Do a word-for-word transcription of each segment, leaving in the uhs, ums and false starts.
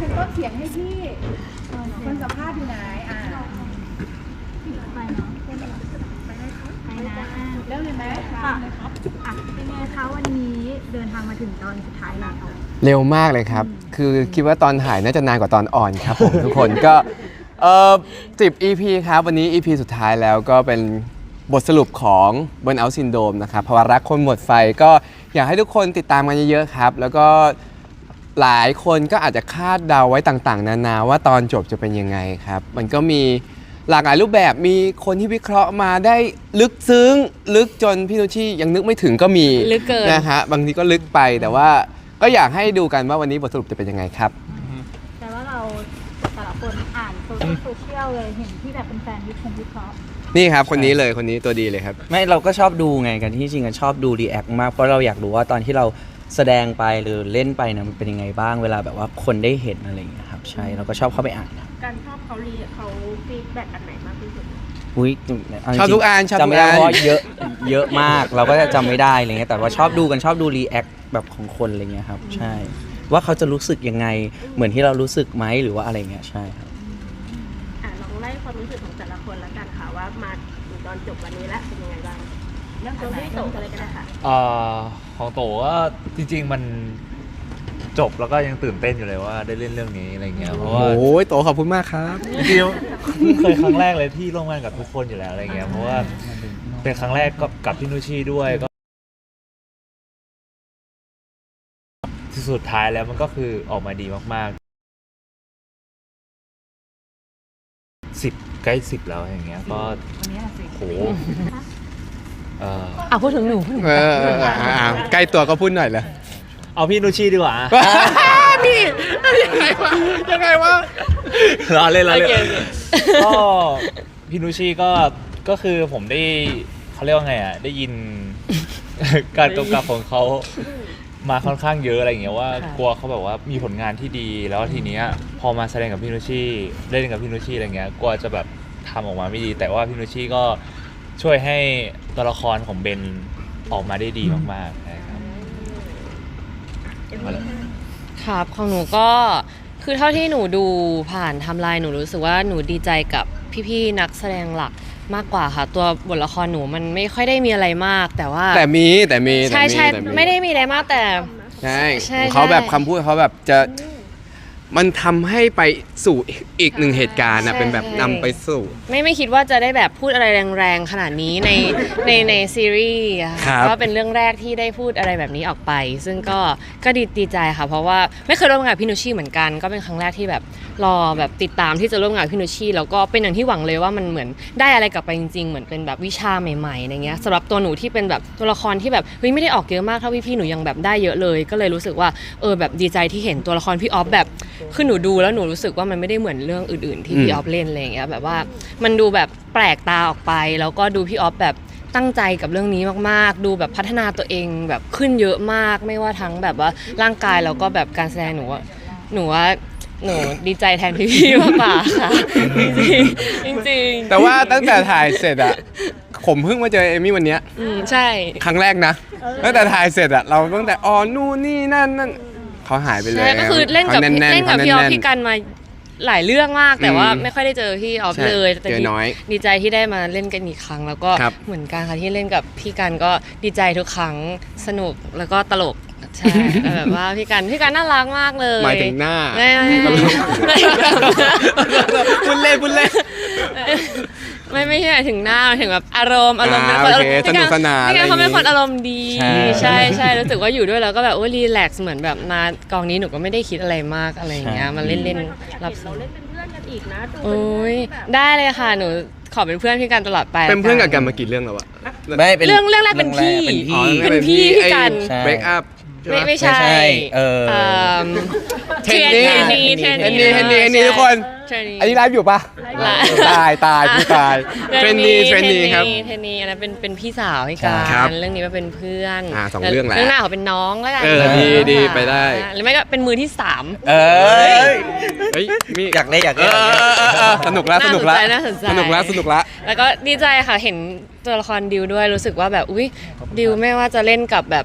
เป็นต้นเสียงให้พี่คนสัมภาษณ์อยู่ไหนอ่าไปเนาะไปเลยไปนะเริ่มเลยไหมค่ะอ่ะเป็นไงคะวันนี้เดินทางมาถึงตอนสุดท้ายแล้วเร็วมากเลยครับคือคิดว่าตอนถ่ายน่าจะนานกว่าตอนอ่อนครับผม ทุกคนก็เอ่อสิบ อี พี ครับวันนี้ อี พี สุดท้ายแล้วก็เป็นบทสรุปของ Burnout Syndrome นะครับภาวะรักคนหมดไฟก็อยากให้ทุกคนติดตามกันเยอะๆครับแล้วก็หลายคนก็อาจจะคาดเดาไว้ต่างๆนานาว่าตอนจบจะเป็นยังไงครับมันก็มีหลากหลายรูปแบบมีคนที่วิเคราะห์มาได้ลึกซึ้งลึกจนพี่นุชชี่ยังนึกไม่ถึงก็มีลึกเกินนะฮะบางทีก็ลึกไปแต่ว่าก็อยากให้ดูกันว่าวันนี้บทสรุปจะเป็นยังไงครับแต่ว่าเราแต่ละคนอ่านโซเชียลเลยเห็นที่แบบเป็นแฟนวิเคราะห์วิเคราะห์นี่ครับคนนี้เลยคนนี้ตัวดีเลยครับไม่เราก็ชอบดูไงกันที่จริงกันชอบดูรีแอคมากเพราะเราอยากรู้ว่าตอนที่เราแสดงไปหรือเล่นไปเนี่ยมันเป็นยังไงบ้างเวลาแบบว่าคนได้เห็นอะไรอย่างเงี้ยครับใช่เราก็ชอบเข้าไปอ่านการชอบเขารีเขาฟีดแบ็กอันไหนมากที่สุดอุ้ยชอบทุกอันชอบทุกอันจำไม่ได้เพราะเยอะเยอะมากเราก็จะจำไม่ได้อะไรเงี้ยแต่ว่าชอบดูกันชอบดูรีแอคแบบของคนอะไรเงี้ยครับใช่ว่าเขาจะรู้สึกยังไงเหมือนที่เรารู้สึกไหมหรือว่าอะไรเงี้ยใช่ครับอ่ะลองไล่ความรู้สึกของแต่ละคนแล้วกันค่ะว่ามาถึงตอนจบวันนี้แล้วเป็นยังไงบ้างเรื่องของพี่โตอะไรกันนะคะเอ่อของโตก็จริงๆมันจบแล้วก็ยังตื่นเต้นอยู่เลยว่าได้เล่นเรื่องนี้อะไรเงี้ยเพราะว่าโอ้ยโตขอบคุณมากครับจริงๆเคยครั้งแรกเลยที่ร่วมงานกับทุกคนอยู่แล้วอะไรเงี้ยเพราะว่าเป็นครั้งแรกก็กับพี่นุชชี่ด้วยก็ที่สุดท้ายแล้วมันก็คือออกมาดีมากๆสิบใกล้สิบแล้วอย่างเงี้ยก็โหเอออ่ะพูดถึงหนูเออใกล้ตัวก็พูดหน่อยเลยเอาพี่นุชชี่ดีกว่าพี่ยังไงวะยังไงวะรอเล่นรอเล่นก็พี่นุชชี่ก็ก็คือผมได้เขาเรียกว่าไงอ่ะได้ยินการกำกับของเขามาค่อนข้างเยอะอะไรอย่างเงี้ยว่ากลัวเขาแบบว่ามีผลงานที่ดีแล้วทีเนี้ยพอมาแสดงกับพี่นุชชี่เล่นกับพี่นุชชี่อะไรเงี้ยกลัวจะแบบทำออกมาไม่ดีแต่ว่าพี่นุชชี่ก็ช่วยให้ตัวละครของเบนออกมาได้ดีมากๆนะครับครับของหนูก็คือเท่าที่หนูดูผ่านไทม์ไลน์หนูรู้สึกว่าหนูดีใจกับพี่ๆนักแสดงหลักมากกว่าค่ะตัวบทละครหนูมันไม่ค่อยได้มีอะไรมากแต่ว่าแต่มีแต่มีใช่ใช่ไม่ได้มีอะไรมากแต่ใช่เขาแบบคำพูดเขาแบบจะมันทำให้ไปสู่อีกหนึ่งเหตุการณ์นะเป็นแบบนำไปสู่ไม่ไม่คิดว่าจะได้แบบพูดอะไรแรงๆขนาดนี้ในในในซีรีส์ก็เป็นเรื่องแรกที่ได้พูดอะไรแบบนี้ออกไปซึ่งก็ก็ดีดีใจค่ะเพราะว่าไม่เคยร่วมงานกับพี่นุชชี่เหมือนกันก็เป็นครั้งแรกที่แบบรอแบบติดตามที่จะร่วมงานกับพี่นุชชี่แล้วก็เป็นอย่างที่หวังเลยว่ามันเหมือนได้อะไรกลับไปจริงๆเหมือนเป็นแบบวิชาใหม่ๆอะไรเงี้ยสำหรับตัวหนูที่เป็นแบบตัวละครที่แบบเฮ้ยไม่ได้ออกเยอะมากเท่าพี่ๆหนูยังแบบได้เยอะเลยก็เลยรู้สึกว่าเออแบบดีใจที่เห็นตัวละครพี่ออฟแบบคือหนูดูแล้วหนูรู้สึกว่ามันไม่ได้เหมือนเรื่องอื่นๆที่พี่ออฟเล่นอะไรอย่างเงี้ยแบบว่ามันดูแบบแปลกตาออกไปแล้วก็ดูพี่ออฟแบบตั้งใจกับเรื่องนี้มากๆดูแบบพัฒนาตัวเองแบบขึ้นเยอะมากไม่ว่าทั้งแบบว่าร่างกายแล้วก็แบบการแสดงหนูว่าหนูว่าหนูดีใจแทนพี่ๆมากกว่าค่ะจริงจริงแต่ว่าตั้งแต่ถ่ายเสร็จอะผมเพิ่งมาเจอเอมี่วันนี้อืมใช่ครั้งแรกนะตั้งแต่ถ่ายเสร็จอะเราตั้งแต่อ๋อนู่นนี่นั่นนั่นเขาหายไปเลยใช่ก็คือเล่นกับเล่นกับพี่ออฟพี่กันมาหลายเรื่องมากแต่ว่าไม่ค่อยได้เจอพี่ออฟเลยแต่ดีใจที่ได้มาเล่นกันอีกครั้งแล้วก็เหมือนกันค่ะที่เล่นกับพี่กันก็ดีใจทุกครั้งสนุกแล้วก็ตลกใช่แบบว่าพี่กันพี่กันน่ารักมากเลยหมายถึงหน้าไม่ไม่ไม่พูดเล่นพูดเล่นไม่ไม่ใช่หมายถึงหน้าหมายถึงแบบอารมณ์อารมณ์เป็นคนสนุกสนานพี่กันเขาเป็นคนอารมณ์ดีใช่ใช่รู้สึกว่าอยู่ด้วยแล้วก็แบบโอ้รีแลกซ์เหมือนแบบมากองนี้หนูก็ไม่ได้คิดอะไรมากอะไรอย่างเงี้ยมาเล่นเล่นรับเราเล่นเป็นเพื่อนกันอีกนะโอ้ยได้เลยค่ะหนูขอเป็นเพื่อนพี่กันตลอดไปเป็นเพื่อนกับกันมากี่เรื่องแล้วอะไม่เรื่องเรื่องแรกเป็นพี่เป็นพี่พี่กัน break up ไม่ไม่ใช่เออเทรนนี่เทรนนี่เทรนนี่เทรนนี่เทรนนี่ทุกคนอันนี้ไลฟ์อยู่ปะตายตายผู้ตายเทรนนี่เทรนนี่ครับเทรนนี่อันนั้นเป็นเป็นพี่สาวให้กันเรื่องนี้มาเป็นเพื่อนอ่าสองเรื่องแหละเรื่องหน้าเขาเป็นน้องแล้วกันเออดีดีไปได้หรือไม่ก็เป็นมือที่สามเออเฮ้ยมีอยากเล่นอยากเล่นสนุกแล้วสนุกแล้วสนุกแล้วสนุกแล้วแล้วก็ดีใจค่ะเห็นตัวละครดิวด้วยรู้สึกว่าแบบอุ้ยดิวไม่ว่าจะเล่นกับแบบ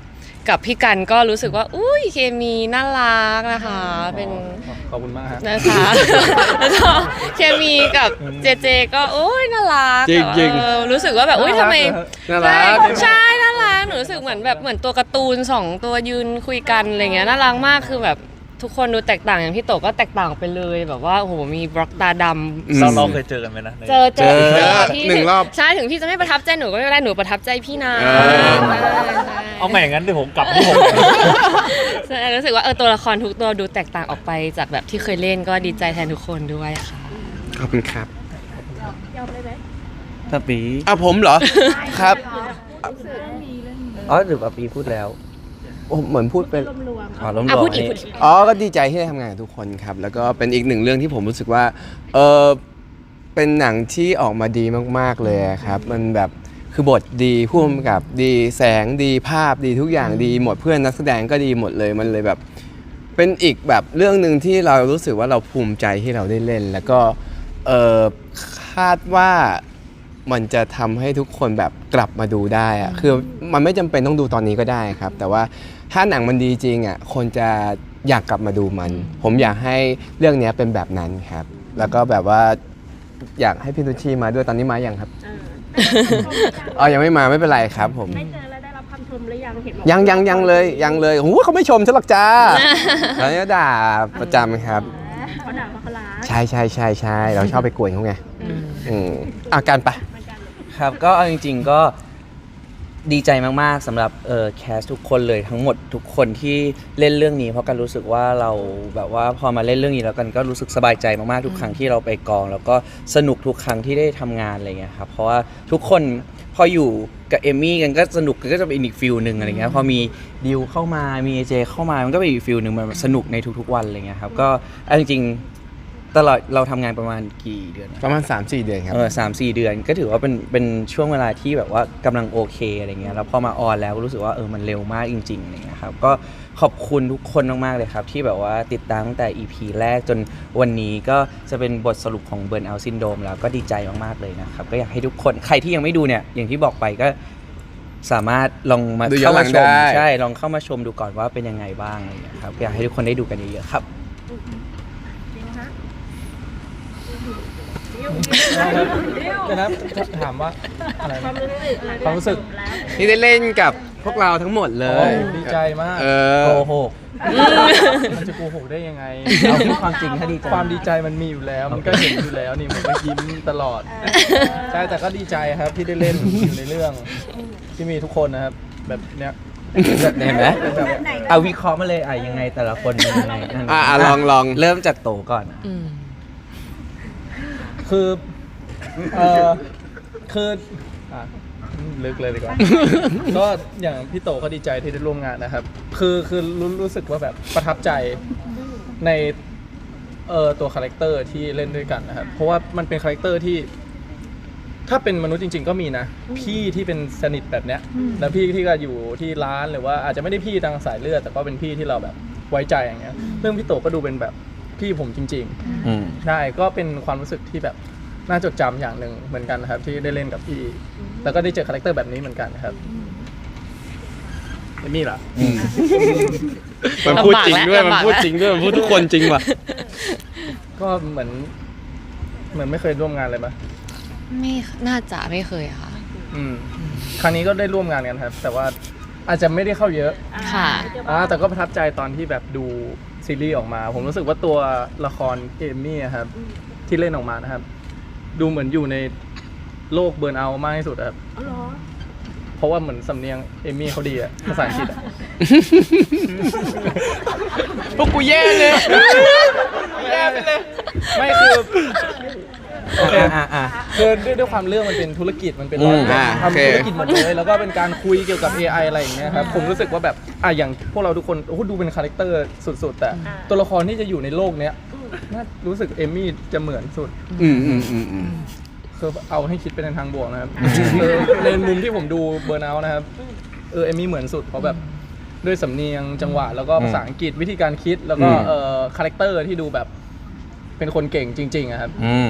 กับพี่กันก็รู้สึกว่าอุ้ยเคมีน่ารักนะคะเป็นขอบคุณมากครับนะคะแล้วก็เคมีกับเจเจก็โอ้ยน่ารักจริงๆเออรู้สึกว่าแบบอุ้ยทำไมน่ารักใช่น่ารักหนูรู้สึกเหมือนแบบเหมือนตัวการ์ตูนสองตัวยืนคุยกันอะไรเงี้ยน่ารักมากคือแบบทุกคนดูแตกต่างอย่างพี่โตก็แตกต่างไปเลยแบบว่าโอ้โหมีบล็อกตาดำเราเราเคยเจอกันไหมนะในเจอเจอเจอพี่หนึ่งรอบใช่ถึงพี่จะไม่ประทับใจหนูก็ไม่เป็นไรหนูประทับใจพี่นะเออใช่ใช่เอาใหม่อย่างนั้นเดี๋ยวผมกลับที่ผมใช่รู้สึกว่าเออตัวละครทุกตัวดูแตกต่างออกไปจากแบบที่เคยเล่นก็ดีใจแทนทุกคนด้วยค่ะขอบคุณครับยอมเลยไหมตาปีอ่ะผมเหรอ ครับอ๋อหรือปาปีพูดแล้วโอ้เหมือนพูดเป็นรวมอ๋อล้มอ่ะลพูงดอีกนี่พูดอีกอ๋อ ก็ดีใจที่ได้ทำงานกับทุกคนครับ แล้วก็เป็นอีกหนึ่งเรื่องที่ผมรู้สึกว่า เออเป็นหนังที่ออกมาดีมากๆเลยครับ มันแบบคือบทดีผู้กำกับดีแสงดีภาพดีทุกอย่างดีหมดเพื่อนนักแสดงก็ดีหมดเลยมันเลยแบบ เป็นอีกแบบเรื่องหนึ่งที่เรารู้สึกว่าเราภูมิใจที่เราได้เล่น แล้วก็เออคาดว่ามันจะทำให้ทุกคนแบบกลับมาดูได้อะคือมันไม่จำเป็นต้องดูตอนนี้ก็ได้ครับ แต่ว่าถ้าหนังมันดีจริงอ่ะคนจะอยากกลับมาดูมัน ผมอยากให้เรื่องนี้เป็นแบบนั้นครับ แล้วก็แบบว่าอยากให้พี่นุชชีมาด้วยตอนนี้มาอย่างครับๆเอออ๋อยังไม่มาไม่เป็นไรครับผมได้เจอแล้วได้รับคำชมหรือยังเห็นบอกยังยังยังเลยยังเลยโอ้โหเขาไม่ชมฉันหรอกจ้าแล้วเนี่ยด่าประจำครับเขาด่าว่าเขาล้าใช่ใช่ใช่ใช่เราชอบไปกวนเขาไงอืมอาการไปครับก็เอาจริงๆก็ดีใจมากๆสำหรับเออแคสทุกคนเลยทั้งหมดทุกคนที่เล่นเรื่องนี้เพราะกันรู้สึกว่าเราแบบว่าพอมาเล่นเรื่องนี้แล้วกันก็รู้สึกสบายใจมากๆทุกครั้งที่เราไปกอง แล้วก็สนุกทุกครั้งที่ได้ทำงานอะไรเงี้ยครับเพราะว่าทุกคนพออยู่กับเอมมี่กันก็สนุกกันก็จะเป็นอีกฟิลหนึ่งอะไรเงี้ยพอมีดิวเข้ามามีเอเจเข้ามามันก็เป็นอีกฟิลหนึ่งมันสนุกในทุกๆวันอะไรเงี้ยครับก็เอาจริงๆตลอดเราทำงานประมาณกี่เดือนนะประมาณ สามสี่ เดือนครับเออสามสี่เดือนก็ถือว่าเป็นเป็นช่วงเวลาที่แบบว่ากำลังโอเคอะไรเงี้ยแล้วพอมาออนแล้วก็รู้สึกว่าเออมันเร็วมากจริงๆอะไรเงี้ยครับก็ขอบคุณทุกคนมากๆเลยครับที่แบบว่าติดตามตั้งแต่ อี พี แรกจนวันนี้ก็จะเป็นบทสรุปของ Burnout Syndrome แล้วก็ดีใจมากๆเลยนะครับก็อยากให้ทุกคนใครที่ยังไม่ดูเนี่ยอย่างที่บอกไปก็สามารถลองมาดูย้อเข้านหลัมาง ชมได้ใช่ลองเข้ามาชมดูก่อนว่าเป็นยังไงบ้างอะไรเงี้ยครับอยากให้ทุกคนได้ดูกันเยอะๆครับจริงฮะเดี๋ยวนะถามว่าอะไรความนะรู้สึกหลังจกความรู้สึกจบแล้วที่ได้เล่นกับพวกเราทั้งหมดเลโอ้ยยดีใจมากเอโกอหกมันจะโกหกได้ยังไงเอาพูดความจริงถ้าดีใจความดีใจมันมีอยู่แล้ว มันก็เห็นอยู่แล้วนี่มันก็ยิ้มตลอด ใช่แต่ก็ดีใจครับที่ได้เล่นอยู่ในเรื่องที่มีทุกคนนะครับ แบบเนี้ยเห็นไหมเป็นแบบเอาวิเคราะห์มาเลยอ่ะยังไงแต่ละคนเป็นยังไงนั่นอ่ะอ่ะลองลองเริ่มจากโตก่อนอืมคือเออคืออ่ะลึกเลยดีกว่า ก็อย่างพี่โตก็ดีใจที่ได้ร่วมงานนะครับ คือคือรู้รู้สึกว่าแบบประทับใจในเอ่อตัวคาแรคเตอร์ที่เล่นด้วยกันนะครับ เพราะว่ามันเป็นคาแรคเตอร์ที่ ถ้าเป็นมนุษย์จริง ๆ ก็มีนะ พี่ที่เป็นสนิทแบบเนี้ยแล้วพี่ที่ก็อยู่ที่ร้านหรือว่าอาจจะไม่ได้พี่ทางสายเลือดแต่ก็เป็นพี่ที่เราแบบไว้ใจอย่างเงี้ยเรื่องพี่โตก็ดูเป็นแบบพี่ผมจริง ๆอืมใช่ก็เป็นความรู้สึกที่แบบน่าจดจำอย่างหนึ่งเหมือนกันนะครับที่ได้เล่นกับพี่แล้วก็ได้เจอคาแรคเตอร์แบบนี้เหมือนกันนะครับเอมี่ล่ะมันพูดจริงด้วยลำบากแล้วมันพูดจริงด้วย มันพูดทุกคนจริงว่ะก็เหมือนเหมือนไม่เคยร่วมงานเลยปะไม่น่าจะไม่เคยค่ะอืมครั้งนี้ก็ได้ร่วมงานกันครับ แต่ว่าอาจจะไม่ได้เข้าเยอะค่ะอ่าแต่ก็ประทับใจตอนที่แบบดูซีรีส์ออกมา ผมรู้สึกว่าตัวละครเอมี่อะครับที่เล่นออกมานะครับ ดูเหมือนอยู่ในโลกเบิร์นเอาท์มากที่สุดอะครับอ๋อเหรอเพราะว่าเหมือนสำเนียงเอมี่เขาดีอะภาษาอังกฤษอะพวกกูแย่เลยแย่ไปเลย ไม่คือโอเคอ่ะอ่ะคือด้วยด้วยความเรื่องมันเป็นธุรกิจมันเป็นอืมร้านอ่าโอเคทำธุรกิจหมดเลยแล้วก็เป็นการคุยเกี่ยวกับ เอ ไอ อะไรอย่างเงี้ยครับผมรู้สึกว่าแบบอ่ะอย่างพวกเราทุกคนโอ้โหดูเป็นคาแรคเตอร์สุดๆ แต่ตัวละครที่จะอยู่ในโลกเนี้ยน่ารู้สึกเอมี่จะเหมือนสุดอืมอืมอืมอืมคือเอาให้คิดไปในทางบวกนะครับเออในมุมที่ผมดูเบอร์นเอาท์นะครับเออเอมี่เหมือนสุดเพราะแบบด้วยสำเนียงจังหวะแล้วก็ภาษาอังกฤษวิธีการคิดแล้วก็อืมเออคาแรคเตอร์ที่ดูแบบเป็นคนเก่งจริงๆอะครับอืม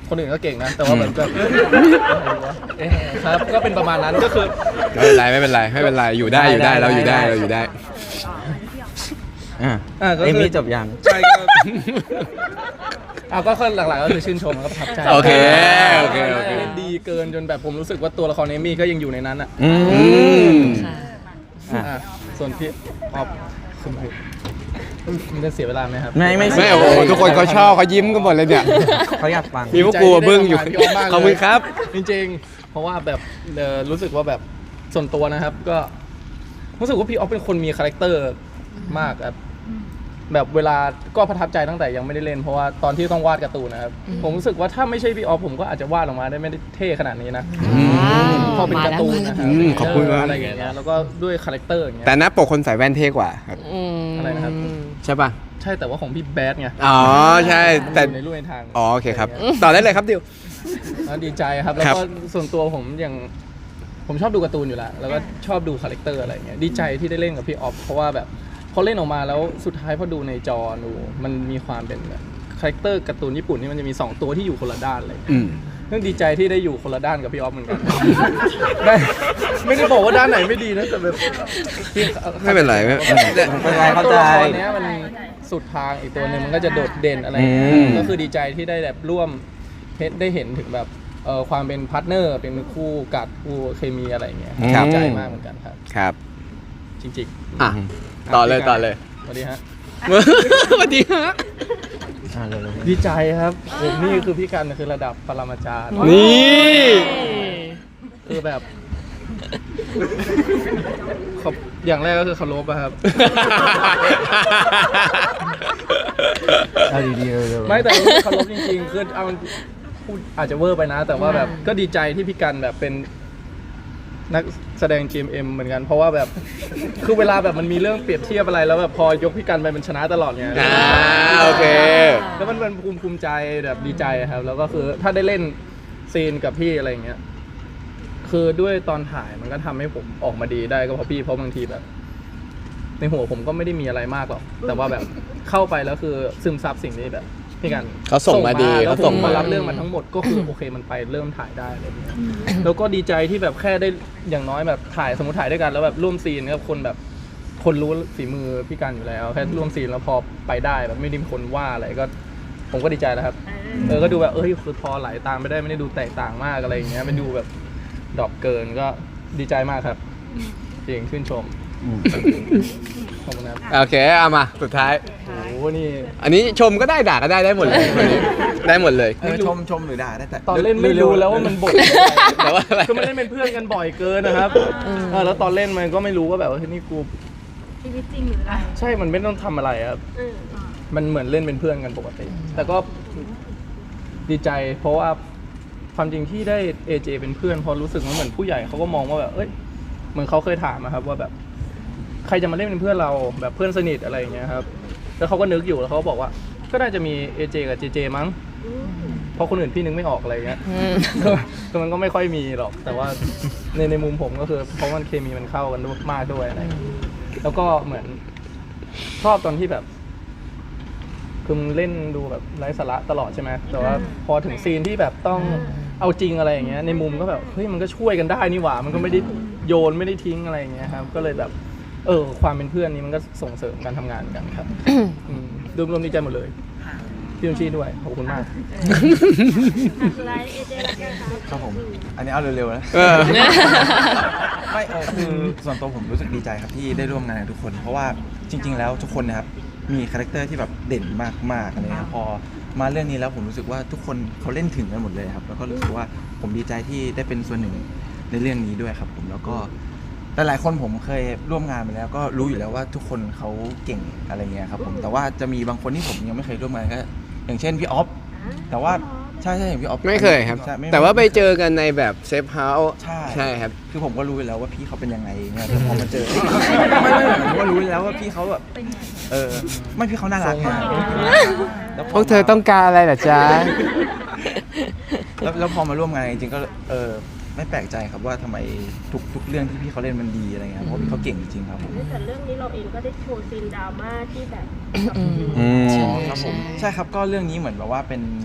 คนอื่นก็เก่งนะแต่ว่าเหมือนแบบเอ๊ะครับก็เป็นประมาณนั้นก็คือไม่เป็นไรไม่เป็นไรไม่เป็นไรอยู่ได้อยู่ได้เราอยู่ได้เราอยู่ได้อ่าอ่าก็เอคือมี่จบยังใช่ก็เอาก็หลักๆก็คือชื่นชมแล้วก็ประทับใจโอเคโอเคโอเคเล่นดีเกินจนแบบผมรู้สึกว่าตัวละครเอมี่ก็ยังอยู่ในนั้นอ่ะอืมอ่ะส่วนพี่ออฟคุณพูดมันจะเสียเวลาไหมครับไม่ไม่ไม่โอ้โหทุกคนเขาชอบเขายิ้มกันหมดเลยเนี่ยเขาอยากฟังมีพวกกูบึ้งอยู่ดีใจที่ได้ทำงานพี่ออฟมากเลยขอบคุณครับจริงๆ เพราะว่าแบบเอ่อรู้สึกว่าแบบส่วนตัวนะครับ ก็รู้สึกว่าพี่ออฟเป็นคนมีคาแรคเตอร์มากครับแบบเวลาก็ประทับใจตั้งแต่ยังไม่ได้เล่นเพราะว่าตอนที่ต้องวาดการ์ตูนนะครับผมรู้สึกว่าถ้าไม่ใช่พี่ออฟผมก็อาจจะวาดออกมาได้ไม่ได้เท่ขนาดนี้นะพอเป็นการ์ตูนนะครัอืมขอบคุณมากอะไรอย่างเงี้ยแล้วก็ด้วยคาแรคเตอร์อย่างเงี้ยแต่หน้าปกคนใส่แว่นเท่กว่าครับอะไรนะครับใช่ป่ะใช่แต่ว่าของพี่แบดไงอ๋อใช่แต่มันอยู่ในรูปในทางอ๋อโอเคครับต่อได้เลยครับดิวแล้วดีใจครับแล้วครับก็ส่วนตัวผมอย่างผมชอบดูการ์ตูนอยู่แล้วแล้วก็ชอบดูคาแรคเตอร์อะไรเงี้ยดีใจที่ได้เล่นกับพี่ออฟเพราะว่าแบบพอเล่นออกมาแล้วสุดท้ายพอดูในจอดูมันมีความเป็นแบบคาแรคเตอร์การ์ตูนญี่ปุ่นที่มันจะมีสองตัวที่อยู่คนละด้านเลยอืมเรื่องดีใจที่ได้อยู่คนละด้านกับพี่ออฟเหมือนกัน ไม่ไม่ได้บอกว่าด้านไหนไม่ดีนะแต่แบบที่ไม่เป็นไรไม่ไม่เป็นไรเข้าใจตัวละครเนี้ยมันสุดทางอีกตัวหนึ่งมันก็จะโดดเด่นอะไรอย่างเงี้ยอืมก็คือดีใจที่ได้แบบร่วมได้เห็นถึงแบบเอ่อความเป็นพาร์ทเนอร์เป็นคู่กัดคู่เคมีอะไรอย่างเงี้ยครับดีใจมากเหมือนกันครับครับจริงอ่ะๆต่อเลยต่อเลยสวัสดีฮะสวัสดีฮะอ่าเลยดีใจครับผมนี่คือพี่กันคือระดับปรมาจารย์นี่คือแบบขอบอย่างแรกก็คือเคารพอะครับเอาดีๆเร็วๆไม่แต่เคารพจริงๆคือเอาพูดอาจจะเวอร์ไปนะ แต่ว่าแบบก็ดีใจที่พี่กันแบบเป็นนักแสดง จี เอ็ม เอ็ม เหมือนกัน เพราะว่าแบบคือเวลาแบบมันมีเรื่องเปรียบเทียบอะไรแล้วแบบพอยกพี่กันไปมันชนะตลอดไงอ่าโอเคแล้วมันเป็นภูมิภูมิใจแบบดีใจครับ แล้วก็คือถ้าได้เล่นซีนกับพี่อะไรอย่างเงี้ยคือด้วยตอนถ่ายมันก็ทำให้ผมออกมาดีได้ก็เพราะพี่เพราะบางทีแบบ ในหัวผมก็ไม่ได้มีอะไรมากหรอกแต่ว่าแบบเข้าไปแล้วคือซึมซับสิ่งนี้แบบพี่กันเขาส่งมาดีแล้วเขาผส่มงมามารับเรื่องมันทั้งหมดก็คือโอเคมันไปเริ่มถ่ายได้อะไรอย่างเงี้ยแล้วก็ดีใจที่แบบแค่ได้อย่างน้อยแบบถ่ายสมมติถ่ายด้วยกันแล้วแบบร่วมซีนกับคนแบบคนรู้ฝีมือพี่กันอยู่แล้วแค่ร่วมซีนแล้วพอไปได้แบบไม่ได้มีคนว่าอะไรก็ ผมก็ดีใจแล้วครับเออก็ดูแบบเอ้ยคือพอไหลตามไม่ได้ไม่ได้ดูแตกต่างมากอะไรอย่างเงี้ยไม่ดูแบบดรอปเกินก็ดีใจมากครับจริงชื่นชมขอบคุณครับโอเคเอามาสุดท้ายโอ้โหนี่อันนี้ชมก็ได้ด่าก็ได้ได้หมดเลยวันนี้ได้หมดเลยเออชมชมหรือด่าได้แต่ตอนเล่นไม่รู้แล้วว่ามันบทแต่ว่าอะไรคือมันเล่นเป็นเพื่อนกันบ่อยเกินนะครับเออแล้วตอนเล่นมันก็ไม่รู้ว่าแบบว่าเฮ้ยนี่กูชีวิตจริงหรืออะไรใช่มันไม่ต้องทำอะไรครับมันเหมือนเล่นเป็นเพื่อนกันปกติ แต่ก็ดีใจ เพราะว่าความจริงที่ได้ เอ เจ เป็นเพื่อนเพอรู้สึกว่าเหมือนผู้ใหญ่เขาก็มองว่าแบบเอ้ยเหมือนเขาเคยถามนะครับว่าแบบใครจะมาเล่นเป็นเพื่อนเราแบบเพื่อนสนิทอะไรอย่างเงี้ยครับแล้วเขาก็นึกอยู่แล้วเขาก็บอกว่าก็น่าจะมี เอ เจ กับ เจ เจ มั้งเพราะคนอื่นพี่นึกไม่ออกอะไรเงี้ยคือมันก็ไม่ค่อยมีหรอก แต่ว่าในในมุมผมก็คือเพราะมันเคมีมันเข้ากันด้วยมากด้วยอะไรแล้วก็เหมือนชอบตอนที่แบบคือมันเล่นดูแบบไร้สาระตลอดใช่ไหมแต่ว่าพอถึงซีนที่แบบต้องเอาจริงอะไรอย่างเงี้ยในมุมก็แบบเฮ้ยมันก็ช่วยกันได้นี่หว่ามันก็ไม่ได้โยนไม่ได้ทิ้งอะไรอย่างเงี้ยครับก็เลยแบบเออความเป็นเพื่อนนี้มันก็ส่งเสริมการทำงานกันครับอืมรวมๆดีใจหมดเลยพี่นุชชีด้วยขอบคุณมากไลฟ์เอเจแล้วกันค่ะครับผม อันนี้เอาเร็วๆนะเออไม่เออคือส่วนตัวผมรู้สึกดีใจครับที่ได้ร่วมงานกับทุกคน เพราะว่าจริง ๆ แล้วทุกคนนะครับมีคาแรคเตอร์ที่แบบเด่นมากๆอะไรเลยครับพอมาเรื่องนี้แล้วผมรู้สึกว่าทุกคนเขาเล่นถึงกันหมดเลยครับแล้วก็รู้สึกว่าผมดีใจที่ได้เป็นส่วนหนึ่งในเรื่องนี้ด้วยครับผมแล้วก็หลายๆคนผมเคยร่วมงานมาแล้วก็รู้อยู่แล้วว่าทุกคนเขาเก่งอะไรเงี้ยครับผมแต่ว่าจะมีบางคนที่ผมยังไม่เคยร่วมงานก็อย่างเช่นพี่ออฟแต่ว่าใช่ใช่อย่างพี่ออฟไม่เคยครับใช่ม่แต่ว่าไปเจอกันในแบบเซฟเฮาส์ใช่ใช่ครับคือผมก็รู้อยู่แล้วว่าพี่เขาเป็นยังไงเนี่ยแต่พอมาเจอ ไม่ไม่ไม่ผมก็รู้อยู่แล้วว่าพี่เขาแบบเออไม่พี่เขาน่ารักไงแล้วพวกเธอต้องการอะไรเหรอจ๊ะแล้วแล้วพอมาร่วมงานจริงๆก็เออไม่แปลกใจครับว่าทำไมทุกทุกเรื่องที่พี่เขาเล่นมันดีอะไรเงี้ยเพราะพี่เขาเก่งจริงๆครับผมแต่เรื่องนี้เราเองก็ได้โชว์ซีนดราม่าที่แบบอืมครับผมใช่ครับก็เรื่องนี้เหมือนแบบว่าเป็นเ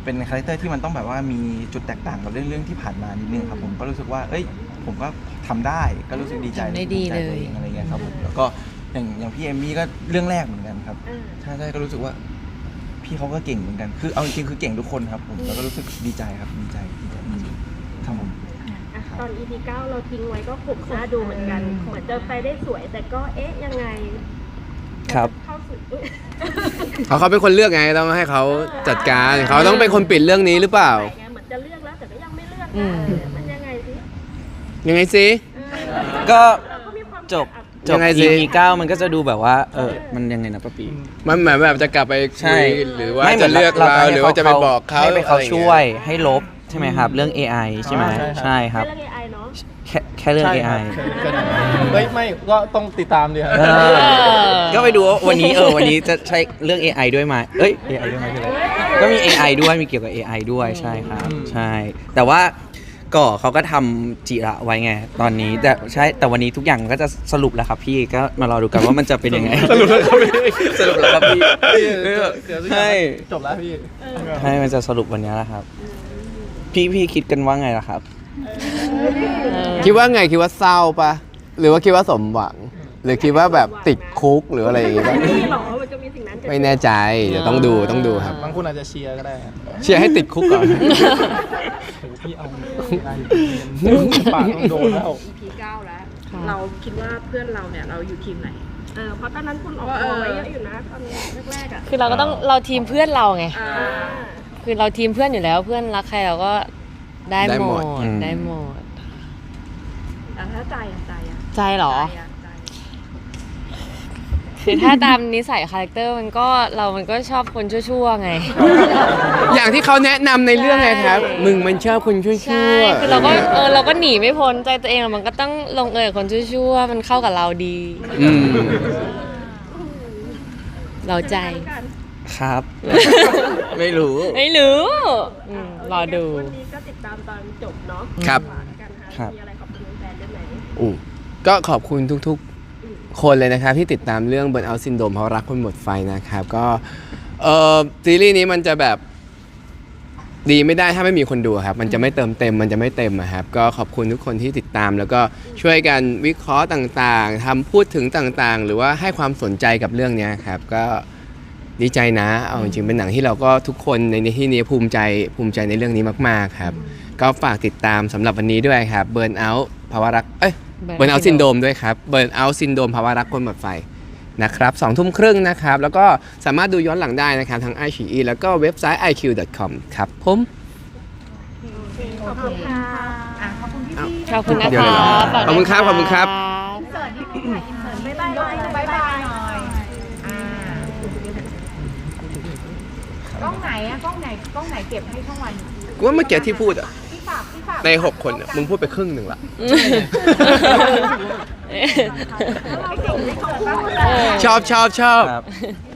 เป็นคาแรคเตอร์ที่มันต้องแบบว่ามีจุดแตกต่างกับเรื่องเรื่องที่ผ่านมานิดนึงครับผมก็รู้สึกว่าเอ้ยผมก็ทำได้ก็รู้สึกดีใจทำได้ดีภูมิใจเลยตัวองอะไรเงี้ยครับผมแล้วก็อย่างอย่างพี่เอมมี่ก็เรื่องแรกเหมือนกันครับใช่ใช่ก็รู้สึกว่า พี่เขาก็เก่งเหมือนกันคือเอาจริงๆคือเก่งทุกคนครับผมแล้วก็รู้สึกดีใจครับดีใจดีใจจริงๆครับผมอ่ะตอน อี พี เก้าเราทิ้งไว้ก็ขมหน้าดูเหมือนกัน เหมือนจะไปได้สวยแต่ก็เอ๊ะยังไงครับเข้าสู่อุ๊ยเขาเขาเป็นคนเลือกไงต้องให้เขาจัดการเขาต้องเป็นคนปิดเรื่องนี้หรือเปล่าไงเหมือนจะเลือกแล้วแต่ก็ยังไม่เลือกอืมเออมันยังไงสิยังไงสิก็เราก็มีความจบอ่ะจยับงไงสิอี พี เก้ามันก็จะดูแบบว่า เออ มันยังไงนะป้าปีมันเหมือนแบบจะกลับไปใช่คุยหรือว่าไม่จะเลือกเราให้หรือว่าจะไปบอกเขาให้ไปเขาอะไรอย่างงี้ช่วยให้ลบใช่ไหมครับ เรื่อง เอ ไอ ใช่ไหมอ๋อใช่ครับใช่ครับไม่เรื่อง เอ ไอ เนาะแค่แค่เรื่องใช่เอคไอรับแค่นั้นเฮ้ยไม่ก็ต้องติดตามดีครับเออก็ไปดูว่าวันนี้เออวันนี้จะใช้เรื่อง เอ ไอ ด้วยไหมเอ้ย เอ ไอ ด้วยไหมคืออะไรก็มี เอ ไอ ด้วยมีเกี่ยวกับ เอ ไอ ด้วยใช่ครับอืมใช่ แต่ว่าก่อเขาก็ทำจิระไว้ไงตอนนี้แต่ใช่แต่วันนี้ทุกอย่างก็จะสรุปแล้วครับพี่ก็มารอดูกันว่ามันจะเป็นยังไงสรุปแล้วครับพี่สรุปแล้วครับพี่เดี๋ยวเดี๋ยวทุกอย่างใช่จบแล้วพี่ใช่มันจะสรุปวันนี้แหละครับ พี่พี่คิดกันว่าไงล่ะครับคิดว่าไงคิดว่าเศร้าปะหรือว่าคิดว่าสมหวัง หรือคิดว่าแบบติดคุกหรืออะไรอย่างงี้ปะนี่หรอมันจะมีสิ่งนั้นเกิดไม่แน่ใจเดี๋ยวต้องดูต้องดูครับบางคนอาจจะเชียร์ก็ได้ครับเชียร์ให้ติดคุกก่อนโอ้พี่เอาได้ปากต้องโดนแล้วอี พี เก้าแล้ว เราคิดว่าเพื่อนเราเนี่ยเราอยู่ทีมไหนเออเพราะตอนนั้นคุณออกตัวไว้เยอะอยู่นะตอนแรกๆอ่ะคือเราก็ต้องเราทีมเพื่อนเราไงอ่าคือเราทีมเพื่อนอยู่แล้วเพื่อนรักใครเราก็ได้ได้หหมมดดอืมได้หมดอ่ะถ้าใจอ่ะใจอ่ะใจเหรอใจอ่ะใจคือถ้าตามนิสัยคาแรคเตอร์มันก็เรามันก็ชอบคนชั่วๆไงอย่างที่เขาแนะนำในเรื่องไงครับ มึงมันชอบคนชั่ใช่วคือเราก็เออเราก็หนีไม่พ้นใจตัวเองอะมันก็ต้องลงเอยกับคนชั่วๆมันเข้ากับเราดีๆอืมเราใจครับ ไม่รู้ไม่รู้อืมรอดูวันนี้ก็ติดตามตอนจบเนาะครับฝากกันครัค่ะบมีอะไรขอบคุณแฟนๆด้วยไหมอู้ก็ขอบคุณทุกๆ คนเลยนะครับ ที่ติดตามเรื่อง Burnout Syndrome เพราะรักคนหมดไฟนะครับ ก็เออซีรีส์นี้มันจะแบบดีไม่ได้ถ้าไม่มีคนดูครับ มันจะไม่เติมเต็มมันจะไม่เต็มอะครับ ก็ขอบคุณทุกคนที่ติดตาม แล้วก็ช่วยกันวิเคราะห์ต่างๆทำพูดถึงต่างๆ หรือว่าให้ความสนใจกับเรื่องเนี้ยครับ ก็ดีใจนะเอาจริงๆเป็นหนังที่เราก็ทุกคนในที่นี้ภูมิใจภูมิใจในเรื่องนี้มากๆครับ ก็ฝากติดตามสำหรับวันนี้ด้วยครับ Burnout ภาวะรักเอ้ย Burnout Burnout Syndrome ด้วยครับ Burnout Syndrome ภาวะรักคนหมดไฟนะครับสองทุ่มครึ่งนะครับ แล้วก็สามารถดูย้อนหลังได้นะครับทั้ง ไอ ซี อี แล้วก็เว็บไซต์ ไอ คิว ดอท คอม ครับผมขอบคุณค่ะอ่ะขอบคุณพี่พี่ขอบคุณนะเดี๋ยวคะเลยเหรอฝากขอบคุณครับนะะขอบคุณครับเสิร์ตนิดนึงค่ะอินเสิร์ตบ๊ายบายหน่อยบ๊ายบายหน่อยอ่ากล้องไหนอะกล้องไหนกล้องไหนเก็บให้ช่องวันกูว่าเมื่อกี้ที่พูดอะพี่ฝากพี่ฝากในหกคนอะมึงพูดไปครึ่งหนึ่งละแล้วเราเก่งในเขาพูดเออชอบชอบชอบครับ